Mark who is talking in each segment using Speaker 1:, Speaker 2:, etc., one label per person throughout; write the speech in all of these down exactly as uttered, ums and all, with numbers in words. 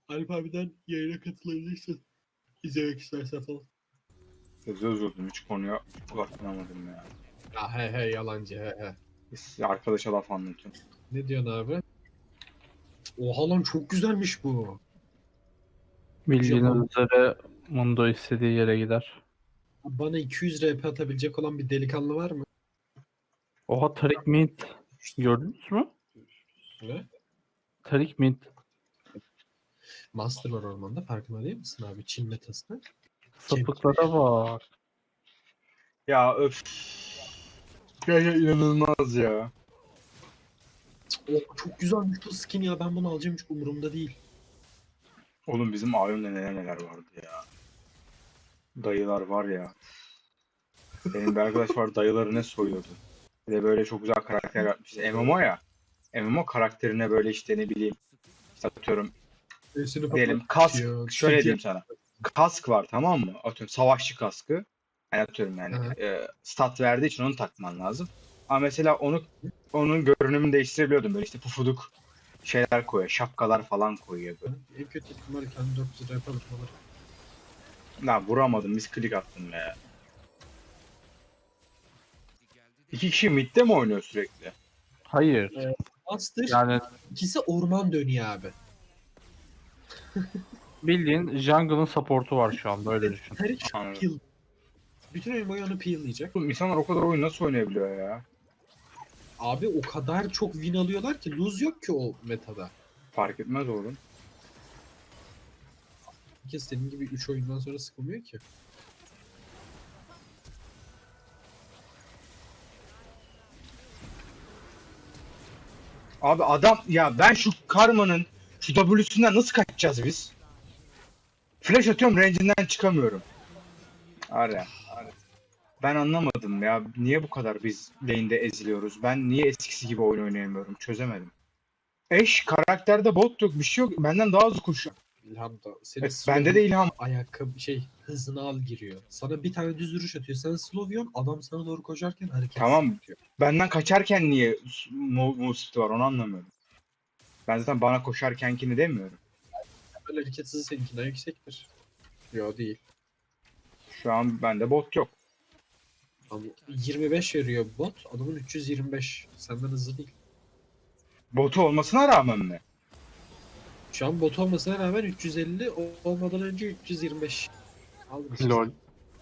Speaker 1: Alp abiden yayına katılabilirsin. İzlemek istersen falan.
Speaker 2: Hızlı üzüldüm. Hiç konuya odaklanamadım ya.
Speaker 1: Ya he he yalancı he he.
Speaker 2: Biz arkadaşa laf anlatıyorum.
Speaker 1: Ne diyorsun abi? Oha lan çok güzelmiş bu.
Speaker 3: Bildiğiniz
Speaker 1: Japon.
Speaker 3: üzere Mundo istediği yere gider.
Speaker 1: Bana iki yüz R P atabilecek olan bir delikanlı var mı?
Speaker 3: Oha Tarik Mint gördünüz mü?
Speaker 1: Ne?
Speaker 3: Tarik Mint
Speaker 1: Master var ormanda farkında değil misin abi? Çin metasını.
Speaker 3: sapıklara bak.
Speaker 2: Ya öf. Ya, ya inanılmaz ya.
Speaker 1: Oh, çok güzelmiş bu skin ya. Ben bunu alacağım hiç umurumda değil.
Speaker 2: Oğlum bizim alemde neler neler vardı ya. Dayılar var ya. Benim bir arkadaş var, dayıları ne soyuyordu. Bir de böyle çok güzel karakter yapmış. M M O ya. M M O karakterine böyle işte ne bileyim. İşte atıyorum
Speaker 1: Sesini
Speaker 2: diyelim kask.
Speaker 1: patlatıyor,
Speaker 2: Şöyle
Speaker 1: çekiyor.
Speaker 2: diyeyim sana. Kask var, tamam mı? Atıyorum savaşçı kaskı. Yani atıyorum yani
Speaker 1: Aha.
Speaker 2: e, stat verdiği için onu takman lazım. Ama mesela onu onun görünümünü değiştirebiliyordum. Böyle işte pufuduk şeyler koyuyor. Şapkalar falan koyuyor böyle.
Speaker 1: En kötü ihtimalle kendi dört yüz R P alırım alırım.
Speaker 2: Lan vuramadım. Misklik attım ya. İki kişi midde mi oynuyor sürekli?
Speaker 3: Hayır.
Speaker 1: Evet. Master
Speaker 3: Yani
Speaker 1: ikisi orman dönüyor abi.
Speaker 3: bildiğin jungle'ın support'u var şu anda öyle düşün.
Speaker 1: Her iş
Speaker 2: Anladım.
Speaker 1: peel. Bütün oyun boyu onu peel'layacak.
Speaker 2: Oğlum insanlar o kadar oyun nasıl oynayabiliyor ya?
Speaker 1: Abi o kadar çok win alıyorlar ki lose yok ki o metada.
Speaker 2: Fark etmez oğlum.
Speaker 1: Herkes senin gibi üç oyundan sonra sıkılmıyor ki.
Speaker 2: Abi adam ya ben şu Karma'nın şu W'sünden nasıl kaçacağız biz? Flash atıyorum, range'inden çıkamıyorum. Ara. Ben anlamadım ya. Niye bu kadar biz lane'de eziliyoruz? Ben niye eskisi gibi oyun oynayamıyorum? Çözemedim. Eş karakterde bot yok, bir şey yok. Benden daha hızlı koşuyor.
Speaker 1: İlham da senin
Speaker 2: Evet,
Speaker 1: slow
Speaker 2: bende de ilham.
Speaker 1: ayakkabı şey hızını al giriyor. Sana bir tane düz vuruş atıyor. Sen slow yiyorsun, adam sana doğru koşarken hareket
Speaker 2: Tamam.
Speaker 1: yapıyor.
Speaker 2: Benden kaçarken niye move, move speed var onu anlamıyorum. Ben zaten bana koşarkenkini demiyorum.
Speaker 1: Böyle hareket hızı seninkinden yüksektir. Yo değil.
Speaker 2: Şu an bende bot yok.
Speaker 1: Ama yirmi beş veriyor bot. Adamın üç yüz yirmi beş. Senden hızlı değil.
Speaker 2: Botu olmasına rağmen mi?
Speaker 1: Şu an bot olmasına rağmen üç yüz elli olmadan önce üç yüz yirmi beş. Aldın işte.
Speaker 3: Lol.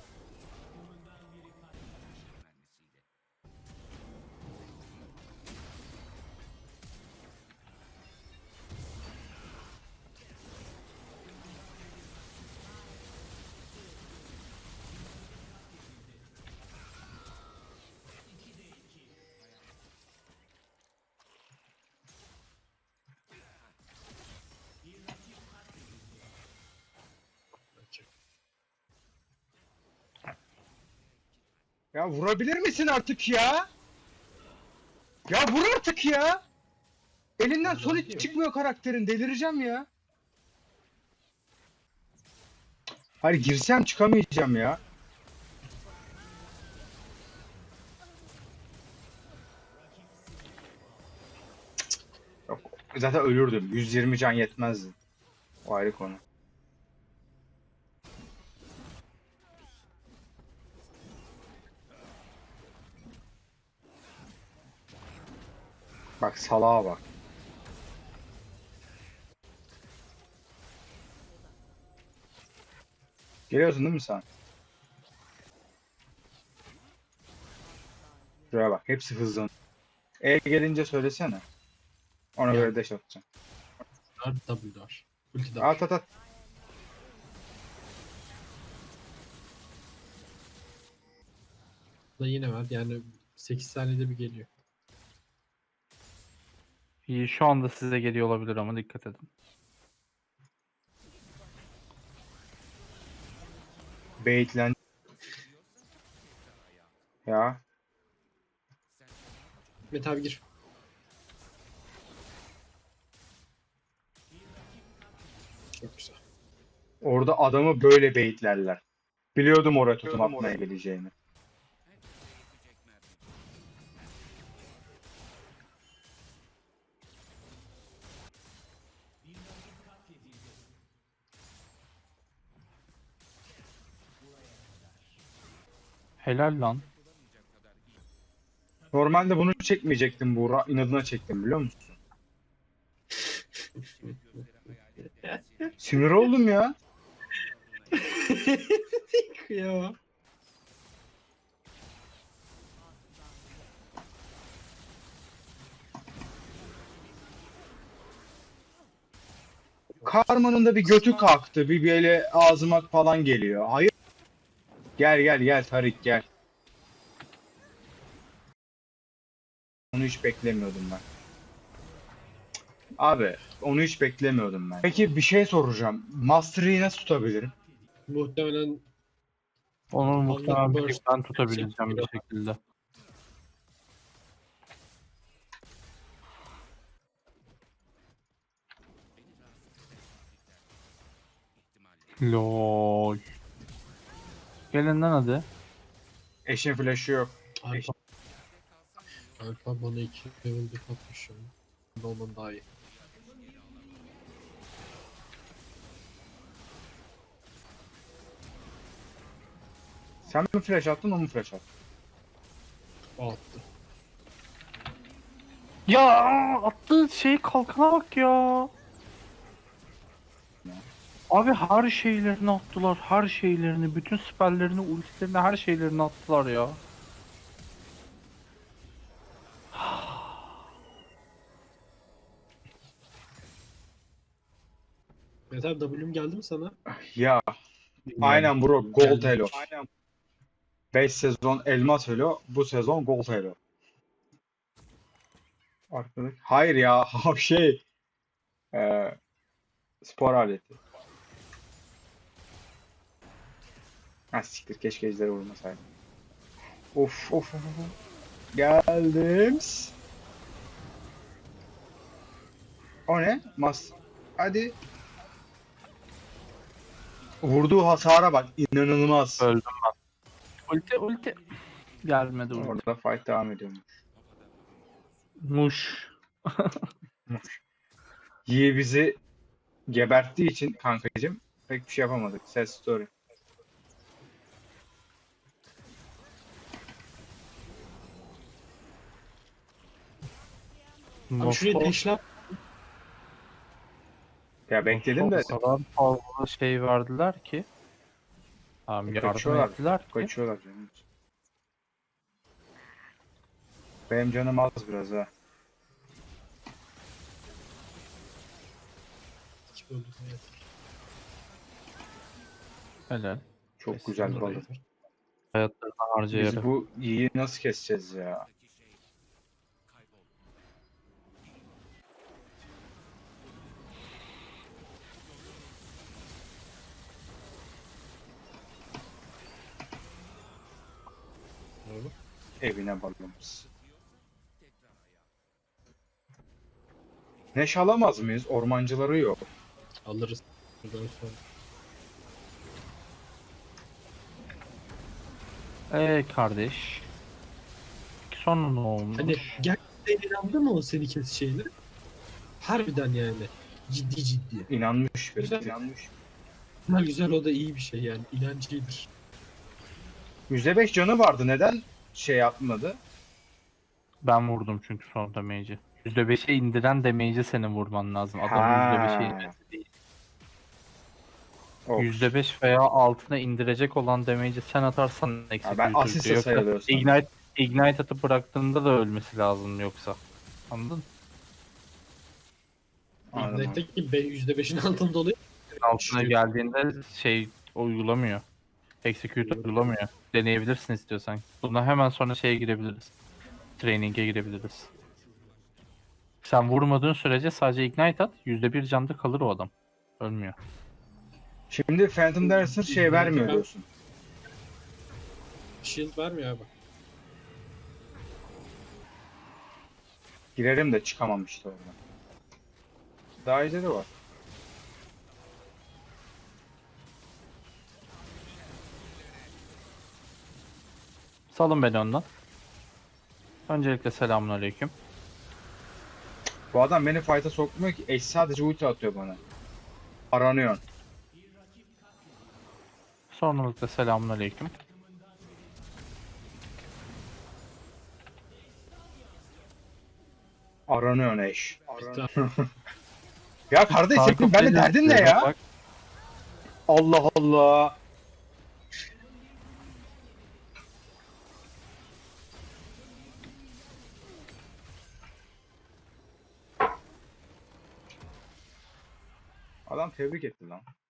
Speaker 2: Ya vurabilir misin artık ya? Ya vur artık ya! Elinden son hiç çıkmıyor karakterin. Delireceğim ya. Hayır girsem çıkamayacağım ya. Yok, zaten ölürdüm. yüz yirmi can yetmezdi. O ayrı konu. Bak salağa bak. Geliyorsun değil mi sen? Şuraya bak. Hepsi hızlı. E gelince söylesene. Ona
Speaker 1: Ya.
Speaker 2: göre dash atacağım.
Speaker 1: Dar W dar. Ulti dar.
Speaker 2: At at at.
Speaker 1: Da yine var. Yani sekiz saniyede bir geliyor.
Speaker 3: İyi şu anda size geliyor olabilir ama dikkat edin.
Speaker 2: Baitlen. Ya.
Speaker 1: Mete abi gir. Çok güzel.
Speaker 2: Orada adamı böyle baitlerler. Biliyordum oraya tutum atmaya geleceğini.
Speaker 3: Helal lan.
Speaker 2: Normalde bunu çekmeyecektim, Buğra. İnadına çektim biliyor musun? Sinir oldum ya.
Speaker 1: Kıyamam.
Speaker 2: Karmanın da bir götü kalktı. Bir böyle ağzıma falan geliyor. Hayır. Gel gel gel Tarik gel. Onu hiç beklemiyordum ben. Abi onu hiç beklemiyordum ben. Peki bir şey soracağım. Mastery'i nasıl tutabilirim?
Speaker 1: Muhtemelen
Speaker 3: Onu muhtemelen bir tek
Speaker 1: burst
Speaker 3: ben tutabileceğim bir şekilde. Lol. Gelin lan hadi.
Speaker 2: Eşin flash'ı yok.
Speaker 1: Alfa. Alfa bana iki level bir atmış şu an. Ondan daha iyi.
Speaker 2: Sen mi flash attın o mu flash attı?
Speaker 1: O attı.
Speaker 3: Ya attığı şey kalkana bak ya. Abi her şeylerini attılar, her şeylerini, bütün siperlerini, ultilerini, her şeylerini attılar ya.
Speaker 1: Mesela W'm geldi mi sana?
Speaker 2: Ya aynen bro gold
Speaker 1: Geldi.
Speaker 2: elo. beş sezon elmas elo. Bu sezon gold elo. Arkadaş. Hayır ya şey. Eee spor aleti. Ha siktir keşke ejderi vurmasaydım. Of of of of. Geldim. O ne? Mas. Hadi. Vurduğu hasara bak. İnanılmaz.
Speaker 3: Öldüm ben. Ulti, ulti. Gelmedi ulti.
Speaker 2: Orada fight devam ediyormuş.
Speaker 3: Muş.
Speaker 2: Yi bizi geberttiği için kankacım pek bir şey yapamadık. Sad story.
Speaker 1: Abi şuraya deşlap.
Speaker 2: Ya bekledim de
Speaker 3: O kadar fazla şey verdiler ki. Tamam yardım
Speaker 2: kaçıyorlar.
Speaker 3: ettiler ki.
Speaker 2: Kaçıyorlar canım. Benim canım az biraz ha.
Speaker 1: İki böldük hayat.
Speaker 3: Helal.
Speaker 2: Çok
Speaker 1: Neyse,
Speaker 2: güzel
Speaker 1: sonra
Speaker 2: balık.
Speaker 1: yeter.
Speaker 3: Hayatlarını harcayarak.
Speaker 2: Biz bu Yi'yi nasıl keseceğiz ya?
Speaker 1: Doğru.
Speaker 2: Evine balımız. Neş alamaz mıyız? Ormancıları yok.
Speaker 1: Alırız. Buradan sonra.
Speaker 3: Eee kardeş. Sonra ne olmuş?
Speaker 1: Hani gerçekten inandı mı o seni kes şeyleri? Harbiden yani. Ciddi ciddi.
Speaker 2: İnanmış bir.
Speaker 1: Güzel.
Speaker 2: İnanmış.
Speaker 1: Güzel güzel o da iyi bir şey yani. İnancıdır.
Speaker 2: yüzde beş canı vardı. Neden şey yapmadı?
Speaker 3: Ben vurdum çünkü son damage'i. yüzde beşe indiren damage'i senin vurman lazım. Adam yüzde beşe
Speaker 2: Ha.
Speaker 3: inmesi değil.
Speaker 2: Of.
Speaker 3: yüzde beş veya altına indirecek olan damage'i sen atarsan
Speaker 2: ben
Speaker 3: executor'da.
Speaker 2: asiste
Speaker 3: Yoksa
Speaker 2: sayılıyorsam.
Speaker 3: Ignite, Ignite atıp bıraktığında da ölmesi lazım yoksa. Anladın?
Speaker 2: Anladım.
Speaker 1: İgnite'deki be- yüzde beşin altında oluyor.
Speaker 3: Altına geldiğinde şey uygulamıyor. Executor uygulamıyor. Deneyebilirsin istiyorsan. Bundan hemen sonra şeye girebiliriz. Training'e girebiliriz. Sen vurmadığın sürece sadece Ignite at. yüzde bir canda kalır o adam. Ölmüyor.
Speaker 2: Şimdi Phantom Dancer şey vermiyor diyorsun.
Speaker 1: Shield vermiyor abi.
Speaker 2: Girerim de çıkamam işte oradan. Daha iyileri var.
Speaker 3: Salın beni ondan. Öncelikle selamünaleyküm.
Speaker 2: Bu adam beni fight'a sokmuyor ki. Eş sadece ulti atıyor bana. Aranıyor.
Speaker 3: Sonralıkla selamünaleyküm.
Speaker 2: Aranıyor eş.
Speaker 1: Bitti.
Speaker 2: Ya kardeş
Speaker 3: Kanka
Speaker 2: senin benimle
Speaker 3: Flash
Speaker 2: derdin ne
Speaker 3: atıyor,
Speaker 2: ya?
Speaker 3: bak.
Speaker 2: Allah Allah. Adam tebrik etti lan.